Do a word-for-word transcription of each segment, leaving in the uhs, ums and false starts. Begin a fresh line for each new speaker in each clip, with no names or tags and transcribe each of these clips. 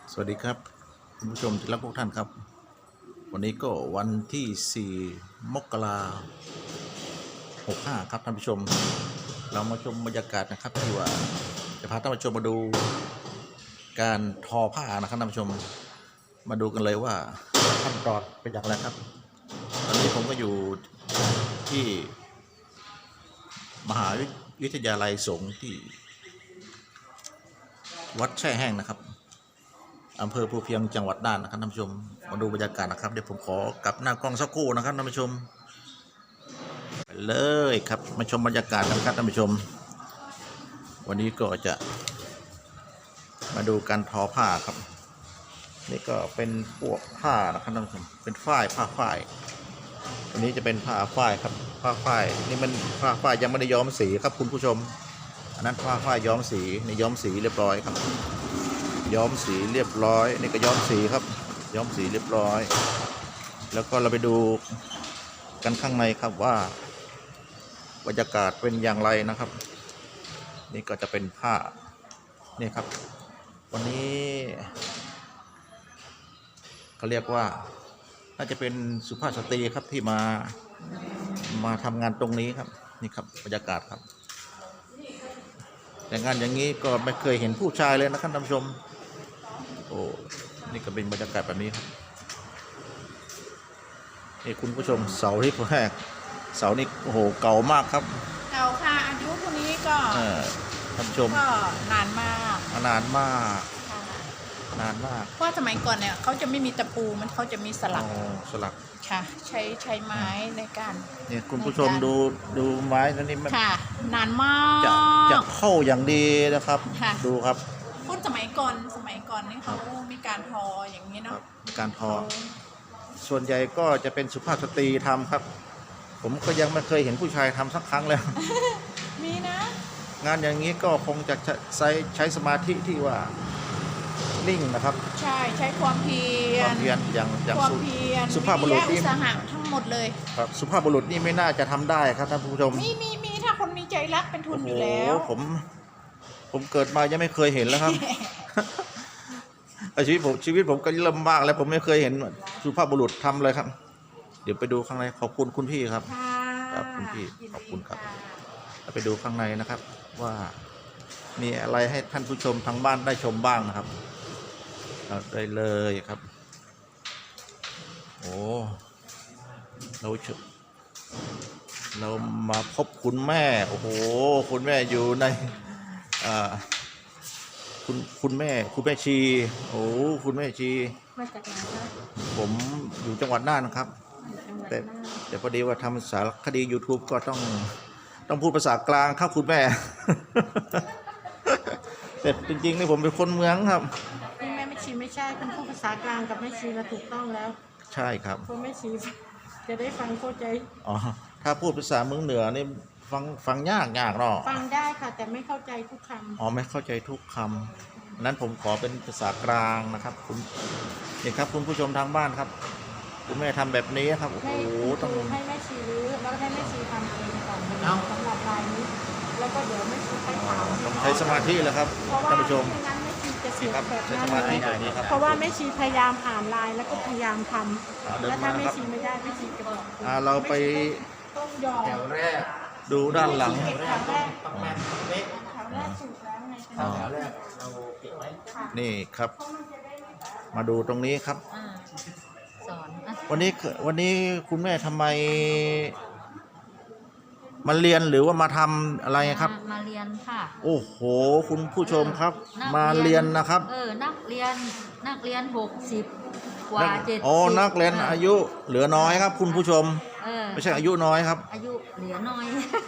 สวัสดีครับคุณผู้ชมที่รักทุกท่านครับวันนี้ก็วันที่สี่มกราหกห้าครับท่านผู้ชมเรามาชมบรรยากาศนะครับที่ว่าจะพาท่านผู้ชมมาดูการทอผ้านะครับท่านผู้ชมมาดูกันเลยว่าขั้นตอนเป็นอย่างไรครับตอนนี้ผมก็อยู่ที่มหาวิทยาลัยสงฆ์ที่วัดแช่แห้งนะครับอำเภอภูเพียงจังหวัดน่านนะครับท่านผู้ชมมาดูบรรยากาศนะครับเดี๋ยวผมขอกลับหน้ากล้องสักครู่นะครับท่านผู้ชมไปเลยครับมาชมบรรยากาศกันครับท่านผู้ชมวันนี้ก็จะมาดูการทอผ้าครับนี่ก็เป็นพวกผ้านะครับท่านผู้ชมเป็นฝ้ายผ้าฝ้ายอันนี้จะเป็นผ้าฝ้ายครับผ้าฝ้ายนี่มันผ้าฝ้ายยังไม่ได้ย้อมสีครับคุณผู้ชมอันนั้นผ้าฝ้ายย้อมสีนี่ย้อมสีเรียบร้อยครับย้อมสีเรียบร้อยนี่ก็ย้อมสีครับย้อมสีเรียบร้อยแล้วก็เราไปดูกันข้างในครับว่าบรรยากาศเป็นอย่างไรนะครับนี่ก็จะเป็นผ้านี่ครับวันนี้เขาเรียกว่าน่าจะเป็นสุภาพสตรีครับที่มามาทำงานตรงนี้ครับนี่ครับบรรยากาศครับแต่งานอย่างนี้ก็ไม่เคยเห็นผู้ชายเลยนะครับท่านผู้ชมโอ้นี่ก็เป็นบรรยากาศแบบนี้ครับนี่คุณผู้ชมเสาที่แรกเสานี่โอ้โหเก่ามากครับ
เก่าค่ะอายุพวกนี้ก็
ท่านผู้ชม
ก็นานมาก
นานมากนานมาก
เพราะสมัยก่อนเนี่ยเขาจะไม่มีตะปูมันเขาจะมีสลัก
สลัก
ค่ะใช้ใช้ไม้ในการ
เนี่ยคุณผู้ชมดูดูไม้ตัวนี้มัน
ค่ะนานมาก
จะจะเข้าอย่างดีนะครับดูครับ
คนสมัยก่อนสมัยก่อนนี่เขามีการทออย่างนี้เนาะ
มีการทอส่วนใหญ่ก็จะเป็นสุภาพสตรีทำครับผมก็ยังไม่เคยเห็นผู้ชายทำสักครั้งเลย
มีนะ
งานอย่างนี้ก็คงจะใช้ใช้สมาธิที่ว่านิ่งนะครับ
ใช่ใช้ความเพียร
ความเพียรอย่างอย่างสุภาพบุรุษ
นี่สหะทั้งหมดเลย
ครับสุภาพบุรุษนี่ไม่น่าจะทำได้ครับท่านผู้ชม
มีมีมีถ้าคนมีใจรักเป็นทุนอยู่แล้ว
ผมผมเกิดมายังไม่เคยเห็นแล้วครับชีวิตผมชีวิตผมก็ลำบากแล้วผมไม่เคยเห็นสุภาพบุรุษทำเลยครับเดี๋ยวไปดูข้างในขอบคุณคุณพี่ครับครับคุณพี่ขอบคุณครับไปดูข้างในนะครับว่ามีอะไรให้ท่านผู้ชมทางบ้านได้ชมบ้างนะครับได้เลยครับโอ้เราเรามาพบคุณแม่โอ้โหคุณแม่อยู่ในอ่าคุณคุณแม่คุณแม่ชีโอ้คุณแม่ชี
มาจากไหนครับ
ผมอยู่จังหวัดน่านนะครับแต่แต่พอดีว่าทำสารคดี YouTube ก็ต้องต้องพูดภาษากลางครับคุณแม่แต่จริงๆนี่ผมเป็นคนเมืองครับ
แม่ไม่ชีไม่ใช่เป็นพูดภาษากลางกับแม่ชีเราถูกต้องแล้ว
ใช่ครับ
เพราะแม่ชีจะได้ฟังเข้าใจ
อ๋อถ้าพูดภาษาเมืองเหนือนี่ฟังฟังยากยากหรอ
ฟังได้ค่ะแต่ไม่เข้าใจทุกคำ
อ๋อไม่เข้าใจทุกคำนั้นผมขอเป็นภาษากลางนะครับคุณนี่ครับคุณผู้ชมทางบ้านครับคุณแม่ทำแบบนี้ครับโอ้โห
ต้องให้แม่ชีรื้อแล้วให้แม่ชีทำเองก่อนสำหรับลายนี้แล้วก็เดี๋ยวแม่ชีไปถาม
ต้องใช้สมาธิเลยครับท่านผู้ชม
ไม่งั้นแม่ชีจะเสียแบบ
นั้น
เลยเพราะว่าแม่ชีพยายามอ่านลายแล้วก็พยายามทำแล้วถ้าแม่ชีไม่ได้แม่ชีจะบอก
เราไป
ต้องยอม
แถวแรกดูด้านหลัง
แถวแรกแถวแรกสุดแล้วไงแถวแรกเราเก็บไว้
นี่ครับมาดูตรงนี้ครับ
สอน
วันนี้วันนี้คุณแม่ทำไมมาเรียนหรือว่ามาทำอะไรครับ
มาเรียนค่ะ
โอ้โหคุณผู้ชมครับมาเรียนนะครับ
เออนักเรียนนักเรียนหกสิบกว่าเจ็ดสิบ
อ๋อนักเรียนอายุเหลือน้อยครับคุณผู้ชมไม่ใช่อายุน้อยครับ
อายุเหลือน้อย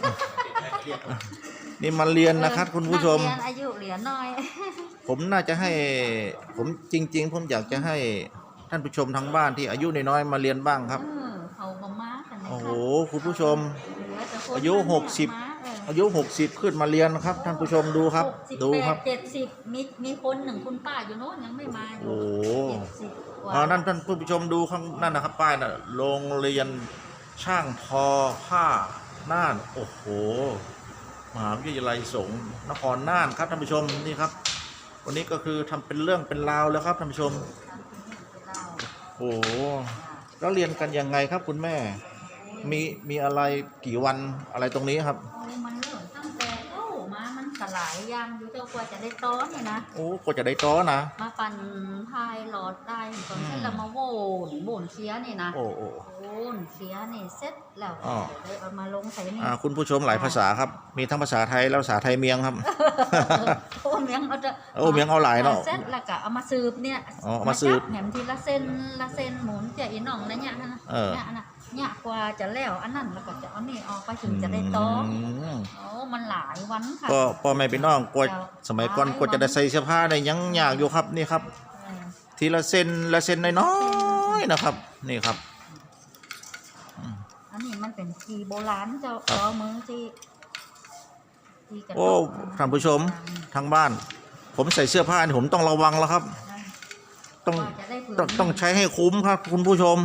นี่มาเรียนนะครับคุณผู้ชม
อายุเหลือน้อย
ผมน่าจะให้ผมจริงๆผมอยากจะให้ท่านผู้ชมทางบ้านที่อายุน้อยๆมาเรียนบ้างครับโอ้โหคุณผู้ชมอายุหกสิบอายุหกสิบขึ้นมาเรียนครับท่านผู้ชมดูครับดูครับ
เจ็ดสิบมีมีคนหนึ่งคุณป้าอยู่โน้นยังไม่มา
โอ้โหนั่นท่านผู้ชมดูข้างนั่นนะครับป้ายน่ะโรงเรียนช่างทอผ้าน่านโอ้โหมหาวิทยาลัยสงฆ์นครน่านครับท่านผู้ชมนี่ครับวันนี้ก็คือทำเป็นเรื่องเป็นราวแล้วครับท่านผู้ชม
เล่า
โอ้โหแล้วเรียนกันยังไงครับคุณแม่ มีมีอะไรกี่วันอะไรตรงนี้ครับ
โอ้มันเริ่มตั้งแต่เข้ามามันสลายยางอยู่เจ้ากว่าจะได้ต้อนเนี่ยนะ
โอ้กว่าจะได้ต้อนะ
มาปั่นพายหลอดได้ตอนเสร็จแล้วมาโหนโหนเสียนี่นะ
โอ้โอ้
โหนเสียนี่เสร็จแล้ว
อ๋อ
เดี๋ยวได้เอามาลงใส่นี่
อ่าคุณผู้ชมหลายภาษาครับ มีทั้งภาษาไทยและภาษาไทยเมียงครับ
โอ้เมียงเอาจะ
โอ้เมียงเอาหลายเนาะ
เสร็จแล้วก็เอามาสืบเนี่ย
อ๋อเอามาสืบ
จัแหนมทีละเส้นละเส้นหมุนเจียอีหน่องนะเนี่ยนะ
เออ
เนี่ยนะเนี่ยกว่าจะแล้วอันนั้นแล้วก็จะเอานี่ออกไปถึงจะได้ต้อ
อืม
โอ้มันหลายวันค่ะ
ก็พ่อแม่พี่น้องกว่าสมัยก่อนกว่าจะได้ใส่เสื้อผ้าได้ยังยากอยู่ครับนี่ครับ
เออ
ทีละเส้นละเส้นน้อยๆนะครับ นี่ครับ
อันนี้มันเป็นทีโบราณเจ้าจอมือที่ที่กระ
โอ้
ดก
ท่านผู้ชมทางบ้าน ผมใส่เสื้อผ้านี่ผมต้องระวังแล้วครับ ต้อง
ว่าจะได้ผืน
ต้องต้องใช้ให้คุ้มครับ คุณผู้ชม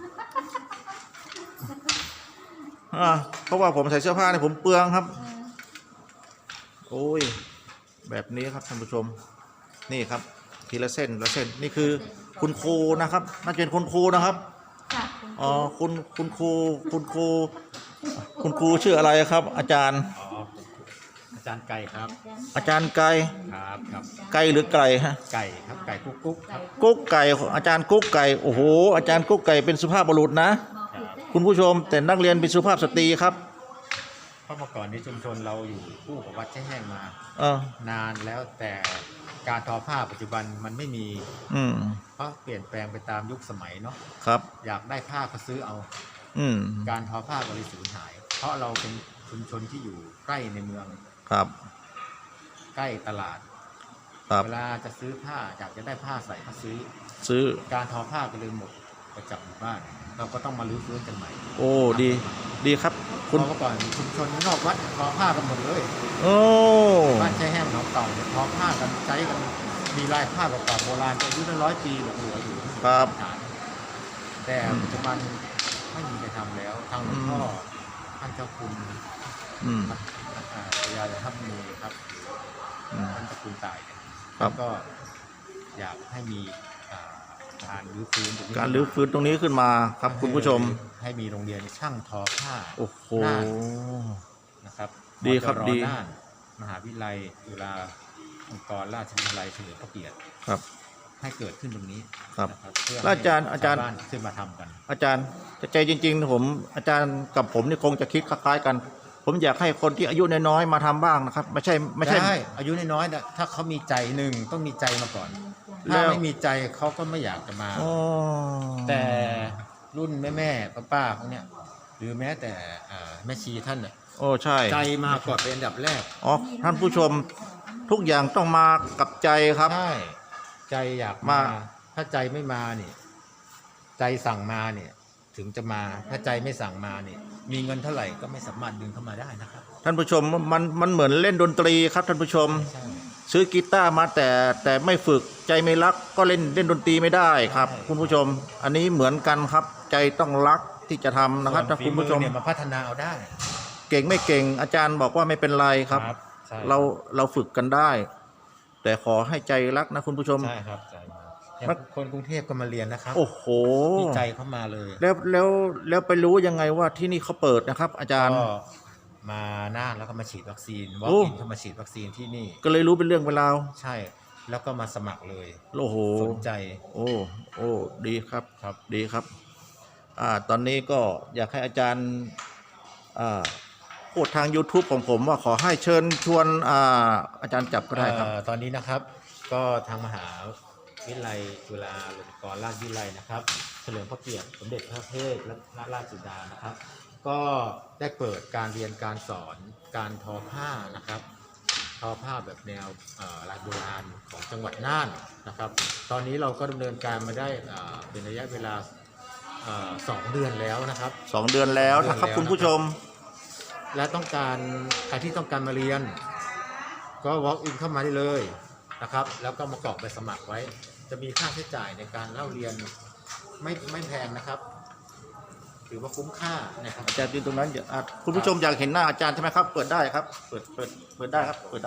อ่าเพราะว่าผมใส่เสื้อผ้านี่ผมเปลืองครับ
เออ
โอ้ยแบบนี้ครับท่านผู้ชม นี่ครับ ทีละเส้นละเส้นนี่คือคุณครูนะครับน่าจะเป็นคุณครูนะครับ
ค่ะคุณ
อ๋อคุณคุณครูคุณครูคุณครูชื่ออะไรครับ อาจารย์
อ๋ออาจารย์ไก่ครับ
อาจารย์ไก่
ครับครับ
ไก่หรือไก่ฮะ
ไก่ครับไก่กุ๊กกุ๊กครับ
กุ๊กไก่อาจารย์กุ๊กไก่โอ้โหอาจารย์กุ๊กไก่เป็นสุภาพบุรุษนะ คุณผู้ชม แต่นักเรียนเป็นสุภาพสตรีครับ
เพราะเมื่อก่อนนี้ชุมชนเราอยู่คู่กับวัดแช่แห้งมา
เออน
านแล้วแต่การทอผ้าปัจจุบันมันไม่มี
อืม
เพราะเปลี่ยนแปลงไปตามยุคสมัยเนาะ
ครับ
อยากได้ผ้าก็ซื้อเอา
อืม
การทอผ้าบริสูญหาย เพราะเราเป็นชุมชนที่อยู่ใกล้ในเมือง
ครับ
ใกล้ตลาด
ครับ
เวลาจะซื้อผ้าอยากจะได้ผ้าใส่ก็ซื้อ
ซื้อ
การทอผ้าก็เลยหมดไปจากหมู่บ้าน เราก็ต้องมารื้อฟื้นกันใหม่
โอ้ดีดีครับ
เพ
คุณ
ราะเมื่อก่อนชุมชนนอกวัดทอผ้ากันหมดเลย
โอ้
บ้านใช้แห้งหนองเต่าเนี่ยทอผ้ากันใช้กันมีลายผ้าเก่าๆโบราณอายุตั้งร้อยปีเหลืออยู่
ครับ
ฐานแต่ปัจจุบันไม่มีใครทำแล้วทางหลวงพ่อท่านเจ้าคุณ
อืม
อ่าพญาทัพมูครับ
อืม
ท่านเจ้าคุณตายเนี่ย
ครับ
ก็อยากให้มีอ่าการรื้อฟื้นตงนี้
การรื้อฟื้นตรงนี้ขึ้นมาครับ คุณผู้ชม
ให้มีโรงเรียนช่างทอผ้า
โอ้โห
น่าน นะครับ
ดีครับ
มจ
ดี
น่านมหาวิทยาลัยจุฬาลงกรณราชวิทยาลัยเฉลิมพระเกียรติ
ครับ
ให้เกิดขึ้นตรงนี้
ครับ
นะเพื่อ
แล้วอาจารย์
ให้
อาจารย์
ชวบ้นขึ้นมาทำกัน
อาจารย์แต่ใจจริงๆ ผมอาจารย์กับผมนี่คงจะคิดคล้ายๆกัน ผมอยากให้คนที่อายุน้อยๆมาทำบ้างนะครับ ไม่ใช่ไม่ใช่
ได้อายุน้อยๆนะถ้าเขามีใจหนึ่งต้องมีใจมาก่อน
แล้
ถ้าว ไม่มีใจเขาก็ไม่อยากจะมา
อ๋อ
แต่รุ่นแม่แม่ป้าป้าๆเขาเนี่ยหรือแม้แต่อ่าแม่ชีท่านน่ะ
โอ้ใช่
ใจมาก่อนเป็นอันดับแรก
อ๋อท่านผู้ชมทุกอย่างต้องมากับใจครับ
ใช่ใจอยาก
มา
มา ถ้าใจไม่มาเนี่ยใจสั่งมาเนี่ยถึงจะมาถ้าใจไม่สั่งมาเนี่ยมีเงินเท่าไหร่ก็ไม่สามารถดึงเข้ามาได้นะครับ
ท่านผู้ชมมันมันเหมือนเล่นดนตรีครับท่านผู้ชม
ใช่
ซื้อกีตาร์มาแต่แต่ไม่ฝึกใจไม่รักก็เล่นเล่นดนตรีไม่ได้ครับ
ใช่
คุณผู้ชม อันนี้เหมือนกันครับ ใจต้องรักที่จะทำนะครับ
ส่
ถ้า
วนฝี
คุณ
มื
ผู้ช
อ
ม
เนี่ยมาพัฒนาเอาได้
เก่งไม่เก่ง อาจารย์บอกว่าไม่เป็นไรครับ
ใช่
เราเราฝึกกันได้ แต่ขอให้ใจรักนะคุณผู้ชม
ใช่ครับใจมาอย่าง
มัน
คนกรุงเทพก็มาเรียนนะครับ
โอ้โห
มีใจเข้ามาเลย
แล้วแล้วแล้วไปรู้ยังไงว่าที่นี่เขาเปิดนะครับ อาจารย์
ก็มาน่านแล้วก็มาฉีดวัคซีนวอ
โอ้
ล์กอินเข้ามาฉีดวัคซีนที่นี่
ก็เลยรู้เป็นเรื่องเป็นราว
ใช่แล้วก็มาสมัครเลย
โอ้โห
สนใจ
โอ้โอ้ดีครับ
ครับ
ดีครับ อ่า ตอนนี้ก็อยากให้อาจารย์ อ่า พูดทาง YouTube ของผมว่าขอให้เชิญชวน อ่า อาจารย์จับก็ได้ครับ
เอ่อตอนนี้นะครับก็ทางมหาวิทยาลัยจุฬาลงกรณราชวิทยาลัยนะครับเฉลิมพระเกียรติสมเด็จพระเทพและพระราชสุดานะครับ ก็ได้เปิดการเรียนการสอนการทอผ้านะครับ ทอผ้าแบบแนวเอ่อลายโบราณของจังหวัดน่านนะครับ ตอนนี้เราก็ดำเนินการมาได้เอ่อเป็นระยะเวลาเอ่อสองเดือนแล้วนะครับ
สองเดือนแล้วนะครับ
เดือนแล้ว
คุณผู้ชม
และต้องการใครที่ต้องการมาเรียน ก็ walk in เข้ามาได้เลยนะครับ แล้วก็มากรอกใบสมัครไว้ จะมีค่าใช้จ่ายในการเล่าเรียนไม่ไม่แพงนะครับ ถือว่าคุ้มค่านะครับ
อาจารย์ยืนตรงนั้นอย่าอ่ะคุณผู้ชมอยากเห็นหน้าอาจารย์ใช่ไหมครับ เปิดได้ครับ เปิด เปิด เปิดได้ครับ เปิดได้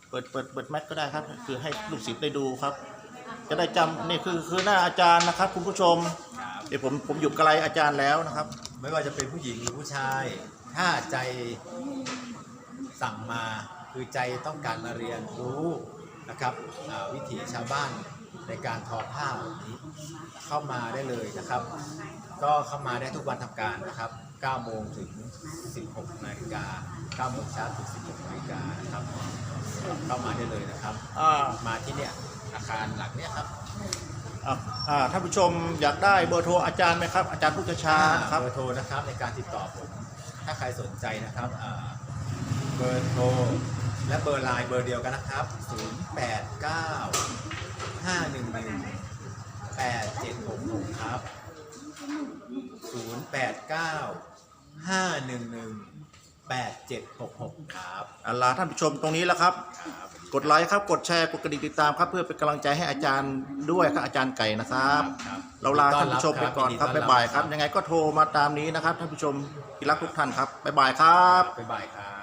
เปิดเปิดเปิดแมทก็ได้ครับคือให้ลูกศิษย์ได้ดูครับ จะได้จำนี่คือคือหน้าอาจารย์นะครับคุณผู้ชมเดี๋ยวผมผมอยู่ไกลอาจารย์แล้วนะครับ
ไม่ว่าจะเป็นผู้หญิงหรือผู้ชาย ถ้าใจสั่งมาคือใจต้องการมาเรียนรู้นะครับอ่าวิถีชาวบ้านในการทอผ้าแบบนี้เข้ามาได้เลยนะครับ ก็เข้ามาได้ทุกวันทำการนะครับเก้าโมงถึงสิบหกนาฬิกาเก้าโมงเช้าถึงสิบหกนาฬิกานะครับเข้ามาได้เลยนะครับ
อ่า
มาที่เนี่ยอาคารหลังเนี้ยครับ
อ่าอ่าท่านผู้ชมอยากได้เบอร์โทรอาจารย์ไหมครับอาจารย์พุทธชานะครับ
เบอร์โทรนะครับในการติดต่อผมถ้าใครสนใจนะครับอ่าเบอร์โทรและเบอร์ไลน์เบอร์เดียวกันนะครับ ศูนย์ แปด เก้า ห้า หนึ่ง หนึ่ง แปด เจ็ด หก หก ครับ ศูนย์ แปด เก้า ห้า หนึ่ง หนึ่ง แปด เจ็ด หก หก ครับ
อัลลาท่านผู้ชมตรงนี้แล้วครับ
ครับ
กดไลค์ครับกดแชร์กดกระดิ่งติดตามครับเพื่อเป็นกำลังใจให้อาจารย์ด้วยครับอาจารย์ไก่นะครับ
ครับ
เราลาท่านผู้ชมไปก่อนครับ
ยินดีต้
บ๊ายบายครับ ยังไงก็โทรมาตามนี้นะครับท่านผู้ชมที่รักทุกท่านครับบ๊ายบายครับ
บ๊ายบายครับ